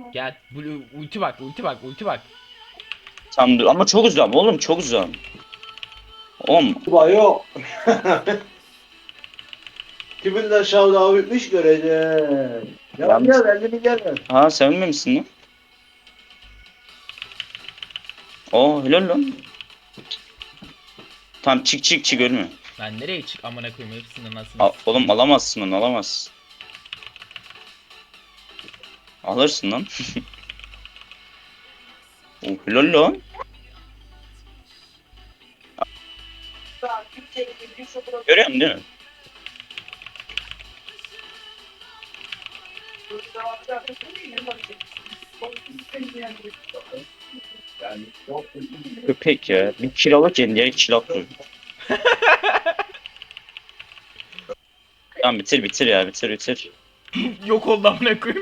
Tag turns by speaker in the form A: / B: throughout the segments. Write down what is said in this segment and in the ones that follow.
A: Gel. Ulti bak, ulti bak, ulti bak.
B: Tamam dur ama çok uzağım oğlum, çok uzağım. Oğlum
C: Yok. Kimin de şavda bitmiş göreceğim. Ya gel elini gel.
B: ha sevinmemişsin lan. Oo helal lan. Tamam çık çık çık ölme.
A: Ben nereye çık amına koyayım hepsinin anasını.
B: Oğlum alamazsın onu, alamazsın. Alırsın lan. Oo helal lan. Görüyor musun değil mi? Köpek ya. Bir kiralık yedin diğer kiralık dur. Tamam bitir bitir ya, bitir bitir.
A: Yok oldu amına koyayım.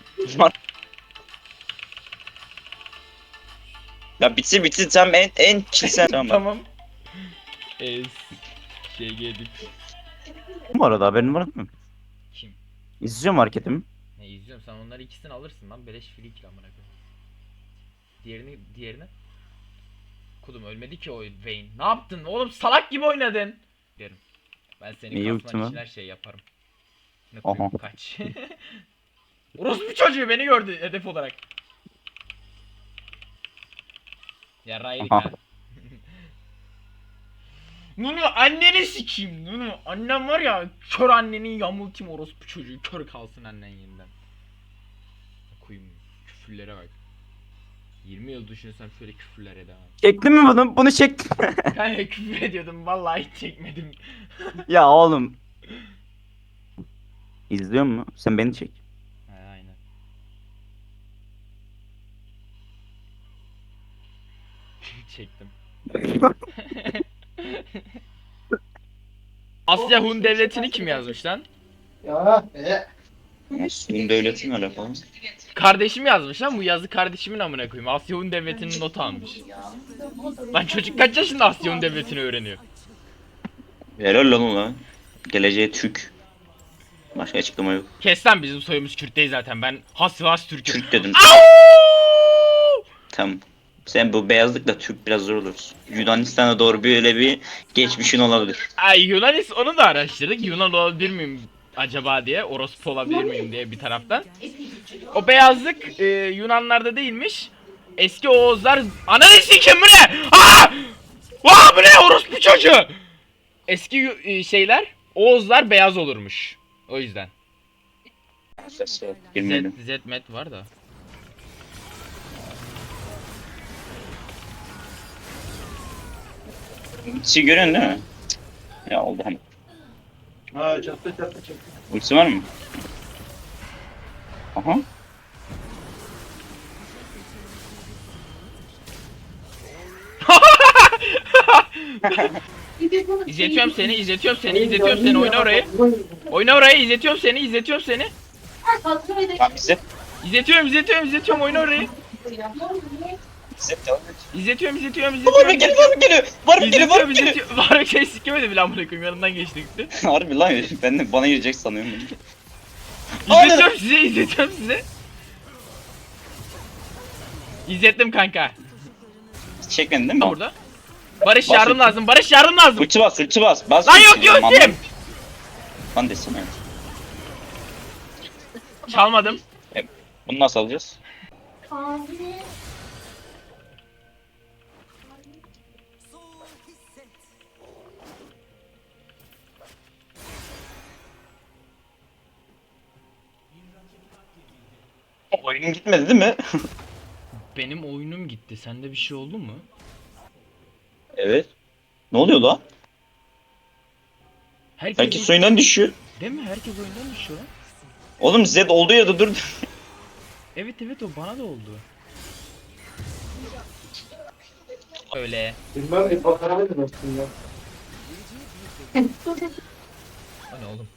B: Ya bitir bitir, tamam en kilisen tamam.
A: Tamam. Es. Şey geldik.
B: Bu arada haberin var mı?
A: Kim?
B: İzliyorum hareketimi.
A: Ne izliyorum, sen onları ikisini alırsın lan, beleş free kill amına koyayım. Diğerini. Kudum ölmedi ki o Vayne. Ne yaptın oğlum, salak gibi oynadın. Derim. Ben senin
B: İyi
A: kasman
B: ulti
A: için
B: mi?
A: her şeyi yaparım. Ne
B: Aha.
A: koyayım, kaç. Orospu çocuğu beni gördü hedef olarak. Ya Raylik
B: Aha.
A: ha. Nunu anneni sikeyim Nunu. Annem var ya, kör annenin yamultayım orospu çocuğu. Kör kalsın annen yeniden. Koyayım küfürlere bak. 20 yıl düşünsem şöyle küfürlere devam.
B: Çektin mi bunu? Bunu çektim.
A: Kanka küfür ediyordum vallahi, hiç çekmedim.
B: Ya oğlum. İzliyor mu? Sen beni çek.
A: He aynen. Çektim. Asya Hun devletini kim yazmış lan?
C: Ya.
B: Bunun devletin alakalı.
A: Kardeşim yazmış lan, bu yazı kardeşimin amına koyayım. Asya Hun devletinin notu almış. Lan çocuk kaç yaşında Asya Hun devletini öğreniyor?
B: Helal lan ulan. Geleceğe Türk. Başka açıklama yok.
A: Kes lan, bizim soyumuz Kürt değil zaten. Ben Has Türk'üm.
B: Türk dedim.
A: Au!
B: Tamam. Sen bu beyazlıkla Türk biraz zor olur. Yunanistan'a doğru böyle bir geçmişin olabilir.
A: Ay Yunanis, onu da araştırdık. Yunan olabilir miyim acaba diye. Orospu olabilir miyim diye bir taraftan. O beyazlık Yunanlarda değilmiş. Eski Oğuzlar... Ananı sikeyim, bu ne? Aa! Aa, bu ne orospu çocuğu? Eski şeyler, Oğuzlar beyaz olurmuş. O yüzden.
B: Bilmedim.
A: Zedmet var da.
B: Şey görüyorsun değil mi? Ya oldu hani.
C: Ha çattı.
B: Ultisi var mı? Aha.
A: İzletiyorum seni. Oyna orayı. Oyna orayı, izletiyorum seni.
B: Tamam bize.
A: İzletiyorum, oyna orayı.
B: Bize devam et.
A: İzletiyorum.
B: Var mı geliyor? Var mı geliyor?
A: Var bir şey sikemedi bile amına koyayım, yanından geçti gitti.
B: Harbi lan, ben de bana girecek sanıyorum. Aa,
A: İzletiyorum size. İzlettim kanka.
B: Çekmedin değil mi?
A: Burada. Barış
B: Bas
A: yardım
B: ulti.
A: lazım. Barış yardım lazım.
B: Ulti bas, ulti bas. Bas
A: Lan
B: ulti.
A: yok ultim.
B: Lan desene.
A: Çalmadım.
B: Bunu nasıl alacağız? Oyunun gitmedi değil mi?
A: Benim oyunum gitti. Sende bir şey oldu mu?
B: Evet. Ne oluyor lan? Herkes oyundan düşüyor.
A: Değil mi? Herkes oyundan düşüyor lan.
B: Oğlum Zed olduğu yerde dur.
A: Evet o bana da oldu. Öyle.
C: Bilmem bir bakaramadım aslında.
A: O ne oğlum?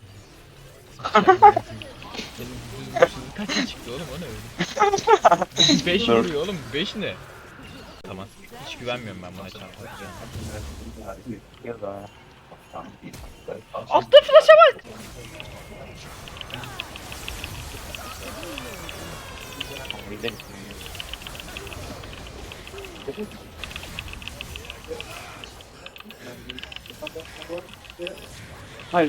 A: Kaç çıktı oğlum, o ne öyle? 5 vuruyor oğlum, 5 ne? Tamam, hiç güvenmiyorum ben buna çarpacağım. Altta flash'a bak!
B: Gidelim. Hayır.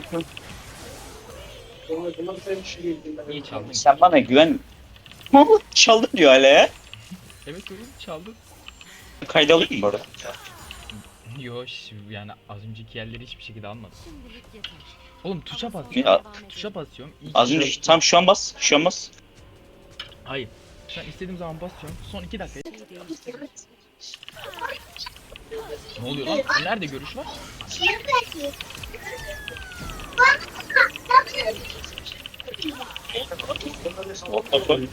A: Niye çaldın?
B: Sen bana güven. Çaldın diyor hala ya.
A: Evet oğlum çaldın.
B: Kayda alayım mı bu arada?
A: Yo yani az önceki yerleri hiçbir şekilde almadım. Oğlum tuşa
B: Ya,
A: basıyorum. Tuşa basıyorum. İlk
B: az önce tam şu an bas. Şu an bas.
A: Hayır. Şu an istediğim zaman basıyorum. Son 2 dakika. Ne oluyor lan? Nerede görüş var?
B: What the fuck?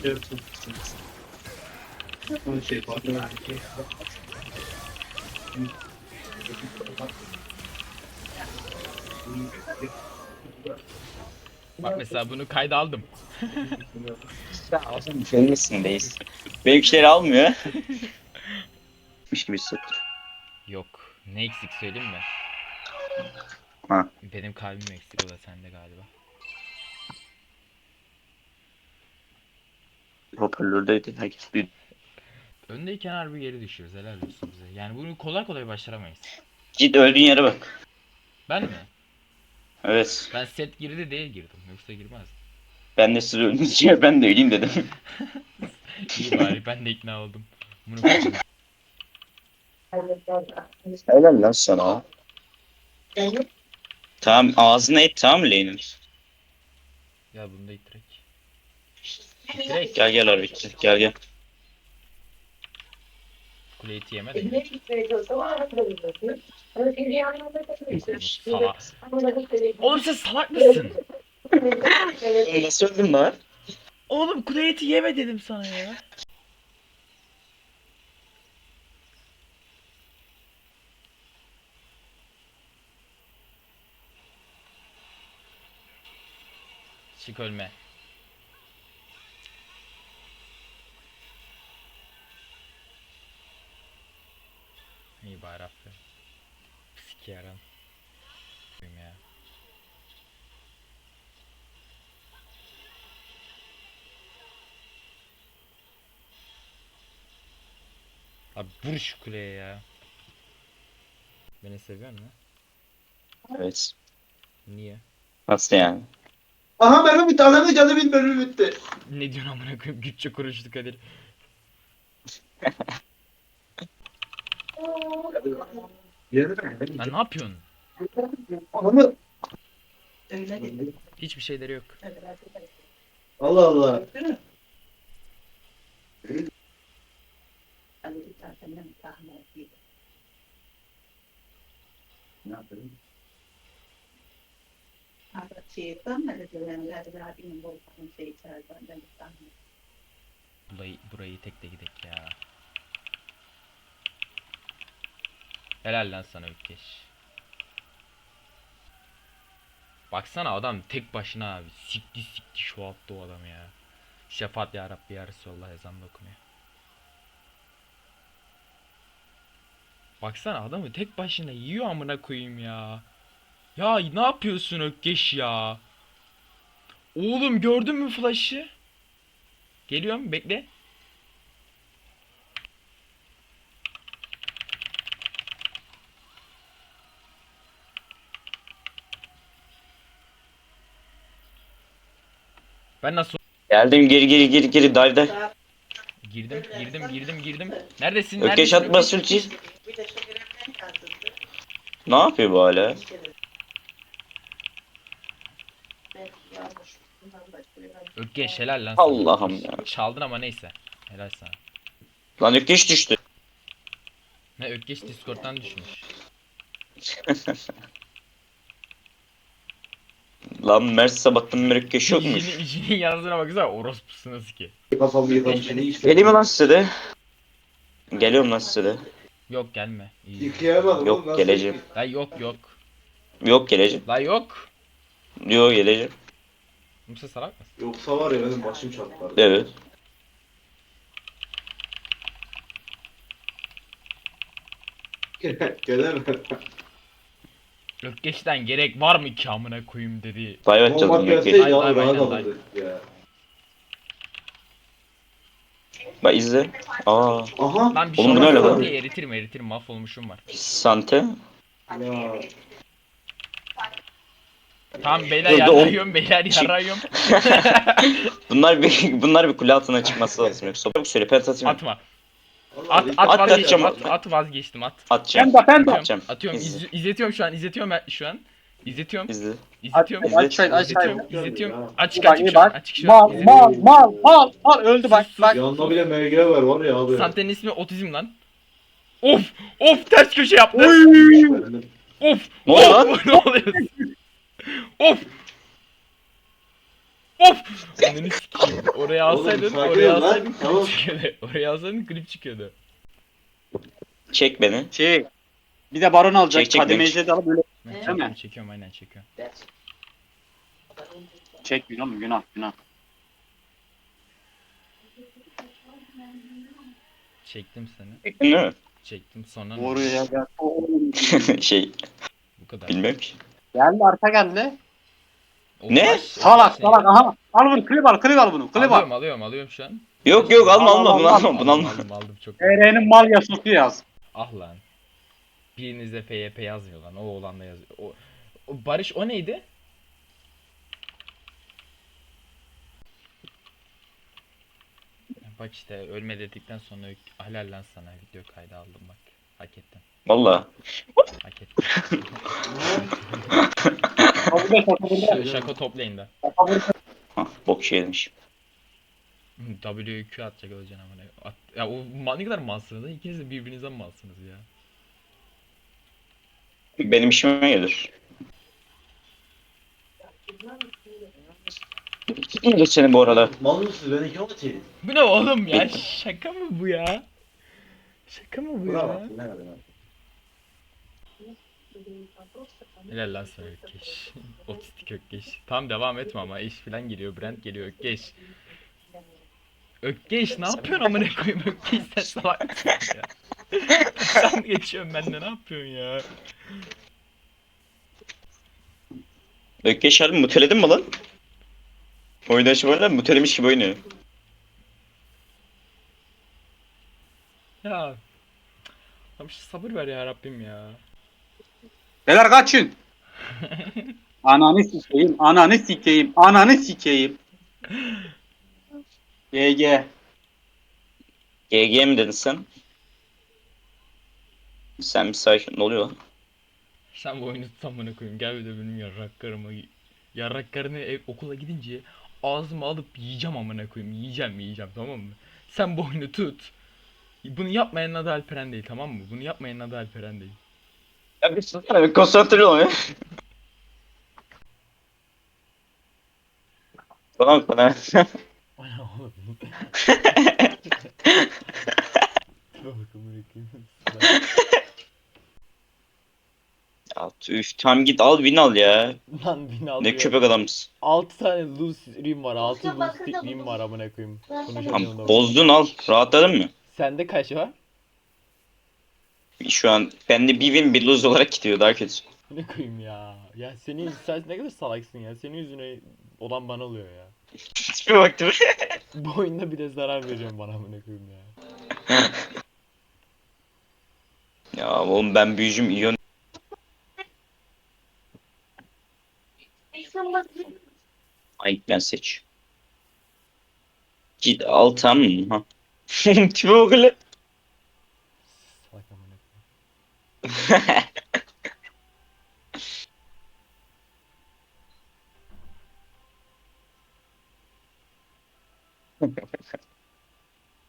A: Bak mesela bunu kayda aldım.
B: Filmdesindeyiz. Benimkileri almıyor. Miş gibi hissettim.
A: Yok. Ne eksik söyleyeyim mi?
B: Ha.
A: Benim kalbim eksik, o da sende galiba.
B: Hoparlördeydi. Herkes bir...
A: Öndeyken harbi geri düşüyoruz, helal olsun bize. Yani bunu kolay kolay başaramayız.
B: Git öldüğün yere bak.
A: Ben mi?
B: Evet.
A: Ben set girdi diye girdim. Yoksa girmez.
B: Ben de siz öldüğünüz yere ben de öleyim dedim.
A: İyi bari ben de ikna oldum. Bunu koydum.
B: Helal lan sana. Tamam ağzına et tamam mı Lane'in?
A: Ya bunu da ittirek. İttirek.
B: Gel gel Arvik gel gel.
A: Kuleyi yeme de. Salak. Oğlum sen salak mısın?
B: Nasıl öldün lan?
A: Oğlum kule eti yeme dedim sana ya. Çık ölme. İyi bari aferin. Psiki yaran. Ya. Abi vur şu kuleye ya. Beni seviyor musun?
B: Evet.
A: Niye?
B: Nasıl yani?
C: Aha benim bir tane canı bir bölüm bitti.
A: Ne diyorsun amına koyayım, güççe konuştuk Kadir. Lan ne yapıyorsun?
C: Anamı.
A: Hiçbir şeyleri yok.
C: Allah Allah. Ne yapayım?
A: Burayı tek de gidek ya. Helal lan sana Ökkeş. Baksana adam tek başına abi. Sikti şu altta o adam ya. Şefaat ya Rabbi ya Resulallah ezanla okunuyor. Baksana adamı tek başına yiyor amına koyayım ya. Ya ne yapıyorsun Ökkeş ya? Oğlum gördün mü flash'ı? Geliyorum bekle. Ben nasıl
B: Geldim geri dive'de.
A: girdim. Neredesin?
B: Ökeş
A: Neredesin?
B: atma sülçü. Ne yapıyor bu hala?
A: Ökkeş helal lan sana.
B: Allah'ım ya.
A: Çaldın ama neyse. Helal sana.
B: Lan Ökeş düştü.
A: Ne Ökkeş Discord'dan düşmüş.
B: Lan Mersi sabahtan beri Ökeş yokmuş.
A: İşinin yazdığına baksana orospusunuz ki.
C: Kafamı yıkamışsın işte.
B: Geleyim mi lan size de? Geliyorum lan size de.
A: Yok gelme. İyi.
C: Yıkayamadım
B: Yok,
C: oğlum, nasıl
B: geleceğim.
C: yıkayayım?
A: La yok.
B: Yok geleceğim.
A: La yok.
B: Yok geleceğim.
A: Musa salak mısın?
C: Yoksa var ya benim başım çatlardı.
B: Evet.
C: Gelemem.
A: Ökkeş'ten gerek var mı ki amına koyayım dedi.
B: Dive atacağız
C: Olmak
B: bunu
C: gelseydi
B: Ökeş.
C: ya
A: Aynen,
C: rahat
A: aynen.
C: alırdık ya.
B: Bak izle. Aa.
C: Aha.
A: Lan bir şey
B: Oğlum bu ne
A: olmaz.
B: öyle lan?
A: Sante'yi eritirim mahvolmuşum var.
B: Sante.
C: Ya.
A: Tamam beyler
B: Dur, dur, oğlum.
A: yarrayıyorum beyler
B: Çık.
A: yarrayıyorum.
B: bunlar bir kule altına çıkması lazım yoksa. Çabuk söyle pet atayım.
A: Atma.
C: Vallahi
A: At
B: At,
A: vazgeçtim
B: atacağım.
A: at vazgeçtim at.
B: Atacağım.
D: Ben de.
B: Atacağım.
A: Atıyorum
B: İzle.
A: izletiyorum şu an İzletiyorum.
B: İzle.
A: İzletiyorum.
B: İzle.
A: İzletiyorum.
C: Aç.
A: İzletiyorum.
C: Ya.
A: Açık
D: İyi bak,
A: açık
D: iyi
A: şu an.
D: bak.
A: Açık şu an. İzletiyorum.
D: Mal öldü bak bak.
C: Yanında bile MG var var ya abi.
A: Sante'nin ismi otizm lan. Of ters köşe yaptı. Of.
B: Ne oluyor lan?
A: Ne oluyor? Of. Ananı sikeyim. Oraya
C: Oğlum,
A: alsaydın,
C: sakin
A: oraya
C: ol lan.
A: alsaydın
C: Tamam.
A: klip çıkıyordu. Oraya alsaydın klip çıkıyordu.
B: Çek beni.
D: Bir de baron alacak.
B: Çek,
D: Kademe
B: çek.
D: ejderha alıp böyle
A: Çekiyorum, çekiyorum aynen çekiyorum.
D: çek günah.
A: Çektim seni.
B: Değil mi?
A: Çektim sonra
D: Oraya gel.
B: şey
A: bu kadar.
B: bilmem ki.
D: Geldi arka geldi.
B: Ne?
D: Salak aha. Al bunu klip al bunu. Klip al.
A: Alıyorum şu an.
B: Yok alma bunu alma.
A: Aldım çok.
D: TR'nin mal yasası yaz.
A: Ah lan. Birinizde FYP yazmıyor lan. O oğlan da yazıyor. O Barış o neydi? Bak işte ölme dedikten sonra helal lan sana video kaydı aldım bak. Hak ettin.
B: Valla.
A: Hak ettin.
D: Kapıda.
A: Şaka toplayın da.
B: Hah, bok şey demiş.
A: WQ atacak öleceksin amına. Ya o ne kadar malsınız da ikiniz de birbirinizden malsınız ya.
B: Benim işime gelir. Geç seni bu arada.
C: Mal mısınız? Ben iki atayım.
A: Bu ne oğlum ya? Şaka mı bu ya? Şaka mı bu
C: Bravo.
A: ya?
C: Ne kadar?
A: Helal lan sana Ökkeş. Otistik Ökkeş. Tam devam etme ama eş falan geliyor. Brent geliyor Ökkeş. Ökkeş ne yapıyorsun amına koyayım Ökkeş sen salak mısın ya? Sen geçiyorsun bende ne yapıyorsun ya?
B: Ökkeş harbi muteledin mi lan? Oynaşı böyle mutelemiş gibi oynuyor.
A: Ya. Tam şu sabır ver ya Rabbim ya.
D: Beyler kaçın. Ananı sikeyim. GG.
B: GG mi dedin sen? Sen bir sakin. Ne oluyor lan?
A: Sen bu oyunu tut amına koyayım. Gel bir de benim yarraklarını okula gidince ağzıma alıp yiyeceğim amına koyayım. Yiyeceğim tamam mı? Sen bu oyunu tut. Bunu yapmayanın adı Alperen değil tamam mı? Bunu yapmayanın adı Alperen değil.
B: Ya bir susana bir konsantre ol ya. Tamam bana. Ya üf tamam git al win al ya.
E: Lan bin alıyor.
B: Ne köpek adamsın.
E: 6 tane loose rim var. 6 loose rim var amına koyayım. Konuşamıyorum
B: Tamam
E: da.
B: bozdun al. Rahatladın mı?
E: Sende kaç var?
B: Şu an bende bir win bir lose olarak gidiyor daha kötü.
E: Ne koyayım ya. Ya sen ne kadar salaksın ya. Senin yüzüne olan bana oluyor ya.
B: Hiçbir baktım.
E: Bu oyunda bile zarar veriyorum bana amına koyayım ya.
B: Ya oğlum ben büyücüm iyon. Ay ben seç. Git al tamam mı? Ha. Tipe bak hele.
E: Salak amına koyayım.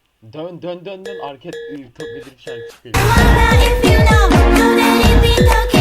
E: Dön arket top edip şarkı çıkıyor.
F: If you know that if you look